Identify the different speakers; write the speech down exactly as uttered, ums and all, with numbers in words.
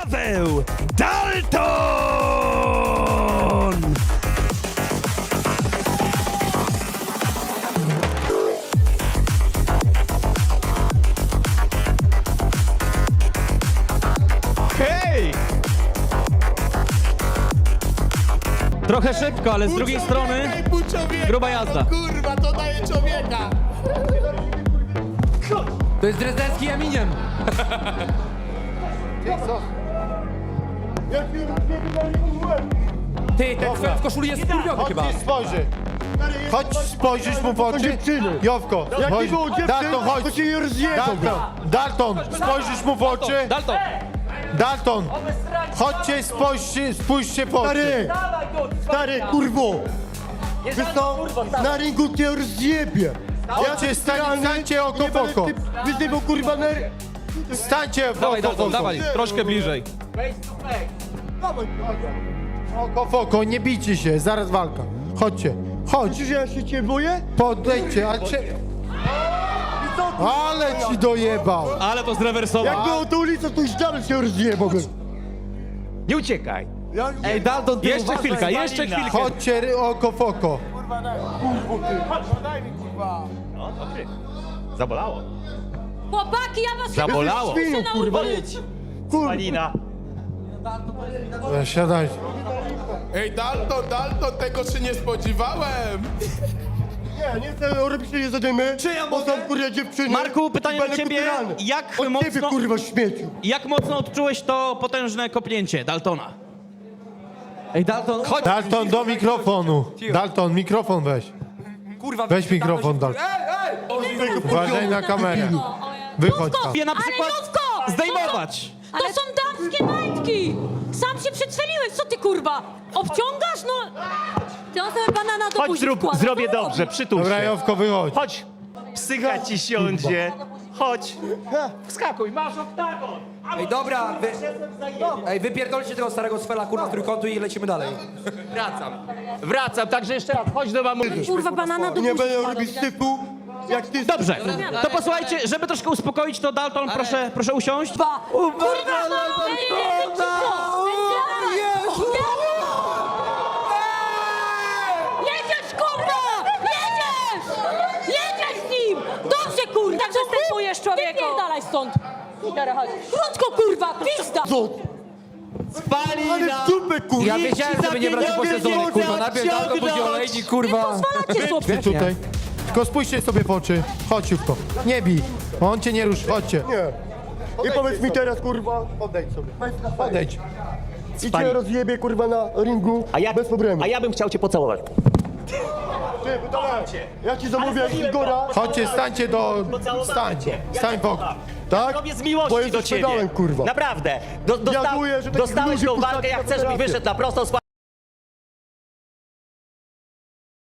Speaker 1: Paweł Dalton!
Speaker 2: Hej!
Speaker 3: Trochę szybko, ale z drugiej strony gruba jazda.
Speaker 2: Kurwa, to daje człowieka!
Speaker 4: To jest drezdencki Jaminiem. Ty, ten kwet w koszuli jest skurwiony chyba.
Speaker 5: Chodź spojrzy. Chodź spojrzysz mu w oczy. Jowko, chodź. Dalton, chodź. Dalton, Dalton, spojrzysz mu w oczy.
Speaker 3: Dalton!
Speaker 5: Dalton, chodźcie, spojrzcie, spójrzcie w oczy.
Speaker 6: Stary, stary, kurwo! Wiesz co, na ringu cię rozjebie!
Speaker 5: Chodźcie, stań, stańcie oko w oko.
Speaker 6: Wyzywał kurwa na...
Speaker 5: Stańcie w
Speaker 3: Dawaj,
Speaker 5: oko w
Speaker 3: Dalton,
Speaker 5: oko.
Speaker 3: dawaj, troszkę bliżej.
Speaker 5: Oko w oko, nie bijcie się, zaraz walka. Chodźcie, chodź,
Speaker 6: Myślisz, że ja się cię boję?
Speaker 5: podejdźcie, ale cię... Ale ci dojebał.
Speaker 3: Ale to zrewersował.
Speaker 6: Jak było tą ulicą, to już dalej się rozjebał.
Speaker 2: Nie uciekaj!
Speaker 6: Ja...
Speaker 3: Ej, Dalton, ty jeszcze chwilkę, jeszcze chwilkę.
Speaker 5: Chodźcie ry- oko w oko.
Speaker 2: Zabolało.
Speaker 7: Chłopaki, ja was
Speaker 2: Zabolało.
Speaker 6: Świniu, kurwa. Kurwa.
Speaker 2: Malina.
Speaker 5: E, Siadajcie.
Speaker 8: Ej, Dalton, Dalton, tego się nie spodziewałem!
Speaker 6: Nie, nie chcę robić się nie zadymy.
Speaker 3: Czy ja
Speaker 6: Bo
Speaker 3: mogę?
Speaker 6: są kurwa dziewczyny.
Speaker 3: Marku, pytanie
Speaker 6: i
Speaker 3: do
Speaker 6: będę
Speaker 3: ciebie.
Speaker 6: kupierany.
Speaker 3: Jak
Speaker 6: Od ciebie
Speaker 3: mocno,
Speaker 6: kurwa śmieciu.
Speaker 3: jak mocno odczułeś to potężne kopnięcie Daltona?
Speaker 4: Ej, Dalton, chodź.
Speaker 5: Dalton do mikrofonu. Dalton, mikrofon weź.
Speaker 4: Kurwa,
Speaker 5: Weź mikrofon, Dalton. Uważaj na kamerę. Wychodź tam.
Speaker 3: Je na przykład
Speaker 7: Ale Jówko!
Speaker 3: zdejmować.
Speaker 7: To są damskie majtki! Sam się przedstawiłeś, co ty kurwa? Obciągasz? No... Ty on sobie banana do
Speaker 2: Chodź,
Speaker 7: buzi
Speaker 2: zrób,
Speaker 7: wkłada.
Speaker 2: zrobię
Speaker 7: Co
Speaker 2: dobrze, przytul
Speaker 5: Dobra,
Speaker 2: się.
Speaker 5: Jowko, wychodź.
Speaker 2: Chodź, psycha ci siądzie. Chodź. Wskakuj, masz oktagon.
Speaker 4: Ej, dobra, wy... Ej, wypierdolcie tego starego swela, kurwa, z trójkątu i lecimy dalej.
Speaker 2: Wracam. Wracam, także jeszcze raz, chodź do mamusi.
Speaker 7: Kurwa, banana do
Speaker 6: Nie
Speaker 7: buzi
Speaker 6: będę
Speaker 7: wkłada,
Speaker 6: robić
Speaker 7: nie?
Speaker 6: syfu. Jak ty...
Speaker 3: Dobrze, to posłuchajcie, żeby troszkę uspokoić to Dalton, proszę, proszę usiąść.
Speaker 7: Ba. Kurwa, no! Ej, ej, ej, cicho! Jedziesz, kurwa! Jedziesz! Jedziesz z nim! Dobrze, kurwa! Tak zastępujesz człowieku! Wypierdalaj stąd! Krótko, kurwa! Pizda!
Speaker 6: Co? Ale w dupę kurwa.
Speaker 4: Ja wiedziałem, żeby nie brać po sezonie, kurwa. Najpierw Dalton, później olejnik, kurwa.
Speaker 7: Pozwalacie sobie!
Speaker 5: Tutaj. Tylko spójrzcie sobie w oczy. Chodź, Jówko. Nie bij. On cię nie ruszy. Chodźcie.
Speaker 6: Nie. I powiedz mi teraz kurwa. Odejdź sobie.
Speaker 5: Odejdź.
Speaker 6: I cię rozjebie kurwa na ringu.
Speaker 2: A ja,
Speaker 6: Bez problemu.
Speaker 2: a ja bym chciał cię pocałować.
Speaker 6: Ty, pytałem. Ja ci zamówię Igora.
Speaker 5: Chodźcie, stańcie do... Stańcie. Stań w oko.
Speaker 6: Tak?
Speaker 2: Robię z
Speaker 6: Bo
Speaker 2: miłości
Speaker 6: jesteś
Speaker 2: do ciebie.
Speaker 6: pedałem, kurwa.
Speaker 2: Naprawdę. Do, dosta
Speaker 6: Jaduję, że takich
Speaker 2: dostałeś
Speaker 6: ludzi
Speaker 2: tą
Speaker 6: puszczacie
Speaker 2: walkę, jak
Speaker 6: na
Speaker 2: chcesz, żebyś
Speaker 6: federację.
Speaker 2: wyszedł na prostą.